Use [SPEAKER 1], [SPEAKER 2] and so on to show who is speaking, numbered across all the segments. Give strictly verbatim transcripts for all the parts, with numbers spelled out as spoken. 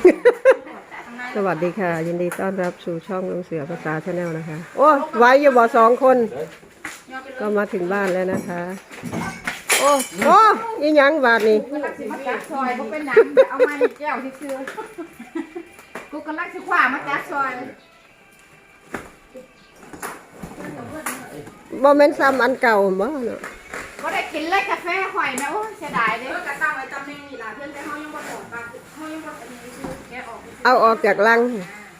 [SPEAKER 1] สวัสดีค่ะยินดีต้อนรับสู่ช่องลุงเสือภาษาชาแนลนะคะโอ้ไว้อยู่บ่สองคนก็มาถึงบ้านแล้วนะคะโอ้โอ้ยยังบาทนี่
[SPEAKER 2] กูกำลังสิมาจัดซอยกูเป็นหนังเอามาในแก้วที่ซื้อกูกำลังสิขวามาจัดซอย
[SPEAKER 1] บ่แม่นซ้ำอันเก่าบ่เนาะ
[SPEAKER 2] ก็ได้กินเลยกาแฟข่อยนะโอ้เสียดายเลยกระตั้งไว้ตำแหน่งนี่ล่ะเพื่อนแต่เขายังบ่ถอดปากเขายังบ่อันนี้คือแกะออก
[SPEAKER 1] เอาออกจากลัง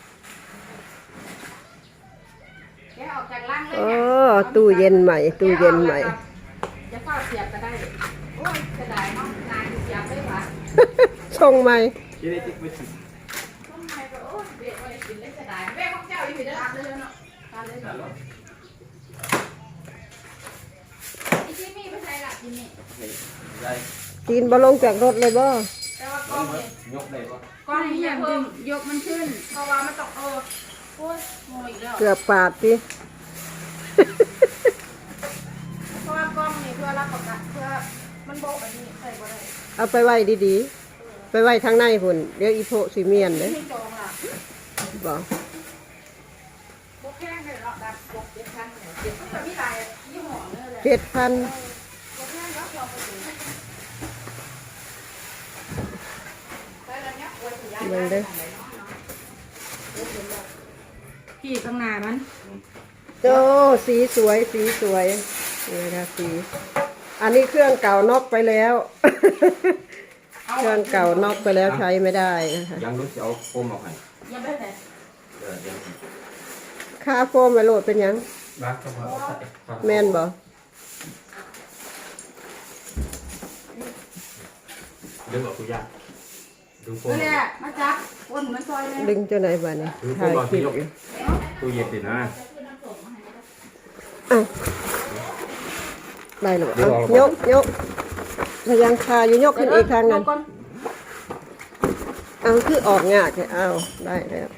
[SPEAKER 2] แกะออกจากลังเลย
[SPEAKER 1] โอ้ตู้เย็นใหม่ตู้เย็นใหม่
[SPEAKER 2] จะเข้าเสียบก็ได้โอ้ยเสียดายเนาะนานเสียบได้หวะ
[SPEAKER 1] ชงใหม่
[SPEAKER 2] ต้องไงก็โอ้ยเบรกไว้กินเลยเสียดายเบรกของเจ้าอยู่ที่เด้อรับเลยเนาะทานเลยอีที่มีไปใช้หลักที่นี่
[SPEAKER 1] กินบ่ลงจากรถเลยบ่
[SPEAKER 2] แต่ว่ากล้องนี่ยกได้บ่กล้องนี่อย่าเพิ่มยกมันขึ้นเพราะว่ามันต้องเออโอ้ยงงอีกแล้ว
[SPEAKER 1] เกือบปาดสิ
[SPEAKER 2] เพราะว่ากล้องนี่เพื่อรับประกันเพื่อมันโบกอันนี้ใส่บ่ได้
[SPEAKER 1] เอาไปไว้ดีๆไปไว้ทางในพุ่นเดี๋ยวอีโพสิเมียนเด้
[SPEAKER 2] ไม่จองล่ะ
[SPEAKER 1] บ่
[SPEAKER 2] โบกแค่เลยเนาะดับโบกเจ็ดพันเนี่ยเจ็ดพันแบบมีหลายยี่ห้อเลยแหละ
[SPEAKER 1] เจ็ดพัน
[SPEAKER 2] โบกแค่แล้วเราไปถึงไปแล้วเนี่ยโอ้ยถึงย้ายได้ ขี่ข้างหน้ามัน
[SPEAKER 1] โอ้สีสวยสีสวยนี่นะคะสีอันนี้เครื่องเก่านอกไปแล้วเครื่องเก่านอกไปแล้วใช้ไม่ได้นะคะ
[SPEAKER 3] ยังรู้จะเอาโฟมออกให้
[SPEAKER 2] ยังไม่ได้
[SPEAKER 1] ค่าโฟมไปโหลดเป็นยัง
[SPEAKER 3] รักก็พอ
[SPEAKER 1] แม่นบ่
[SPEAKER 3] ดึงออกทุกอย่างดึงโฟม
[SPEAKER 2] นี่แหละมาจับวนมันซอยเลย
[SPEAKER 1] ดึงเจ้าไหนบ้านี่ถ่ายคลิปอยู่
[SPEAKER 3] ตู้เย็นสินะ
[SPEAKER 1] ได้หรอยกยกพยังคาอยู่ยกขึ้นอีกทางนั้นเอาคือออกงาดเอาได้แล้ว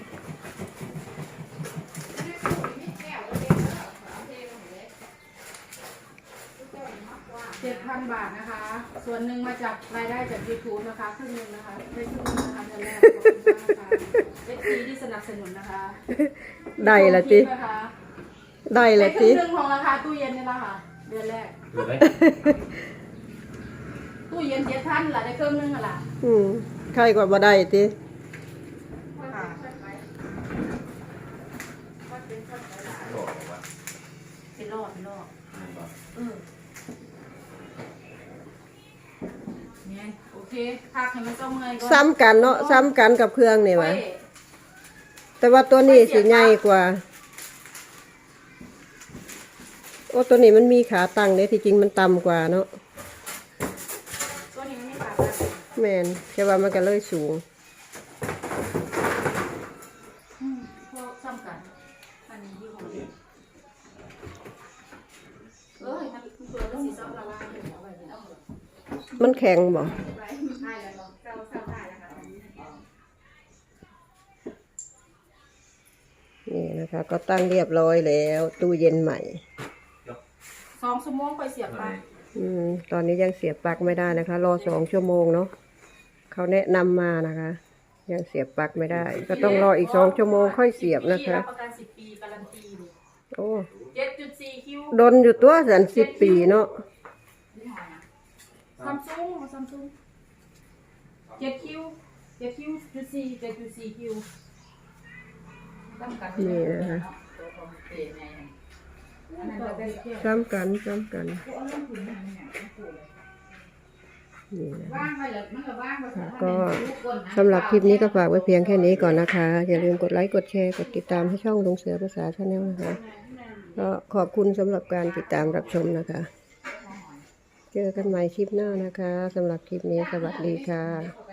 [SPEAKER 2] เจ็ดพันบาทนะคะส่วนหนึ่งมาจากรายได้จากยูทูบนะคะครึ่งหนึ่งนะคะได้ครึ่งนึงนะคะเดือนแรกขอบคุณมากค่ะเอฟซีที่สนับสนุนนะคะ
[SPEAKER 1] ได้ละทีได้ละที
[SPEAKER 2] ครึ่งหนึ่งของราคาตู้เย็นนี่ละค่ะเดือนแรกตู้เย็นเจ็ดพันละได้ครึ่งนึงละ
[SPEAKER 1] อืมใครกว่าบ่ได้ที
[SPEAKER 2] เป็นรอดเป็นรอดเออเนี่ยโอเคพักให้มันต้องเงยก่อน
[SPEAKER 1] ซ้ำกันเนาะซ้ำกันกับเครื่องนี่วะแต่ว่าตัวนี้สิใหญ่กว่าโอ้ตัวนี้มันมีขาตั้งเนี่ยที่จริงมันต่ำกว่าเนาะ
[SPEAKER 2] ตัวนี้มันไม่ขา
[SPEAKER 1] แมนแค่ว่ามันก็เลยสูง
[SPEAKER 2] พวกซ้ำกันอันนี้ยี่ห้อนี้เออมันเปลือกมันสีส้มละลายเลยเอาไว้เป็นเอาเหรอ
[SPEAKER 1] มันแข็งบ่นี่นะคะก็ตั้งเรียบร้อยแล้วตู้เย็นใหม่
[SPEAKER 2] สองชั่วโมงไปเสียบปลั๊ก
[SPEAKER 1] อืมตอนนี้ยังเสียบปลั๊กไม่ได้นะคะรอสองชั่วโมงเนาะเขาแนะนำมานะคะยังเสียบปลั๊กไม่ได้ก็ต้องรออีกสองชั่วโมงค่อยเสียบนะคะ
[SPEAKER 2] ประกันสิบปีการันตี
[SPEAKER 1] โอ้
[SPEAKER 2] เจ็ดจุดสี่คิว
[SPEAKER 1] ดนอยู่ตัวสันสิบปีเนาะ
[SPEAKER 2] ซัมซุงซัมซุงเจ็ดคิวเจ็ดคิวจุดสี่เจ็ดจุดสี่คิว
[SPEAKER 1] นี่นะคะซ้ำกันซ้ำกันนี่นะก็สำหรับคลิปนี้ก็ฝากไว้เพียงแค่นี้ก่อนนะคะอย่าลืมกดไลค์กดแชร์กดติดตามให้ช่องลุงเสือภาษาชาแนลนะคะก็ขอบคุณสำหรับการติดตามรับชมนะคะเจอกันใหม่คลิปหน้านะคะสำหรับคลิปนี้สวัสดีค่ะ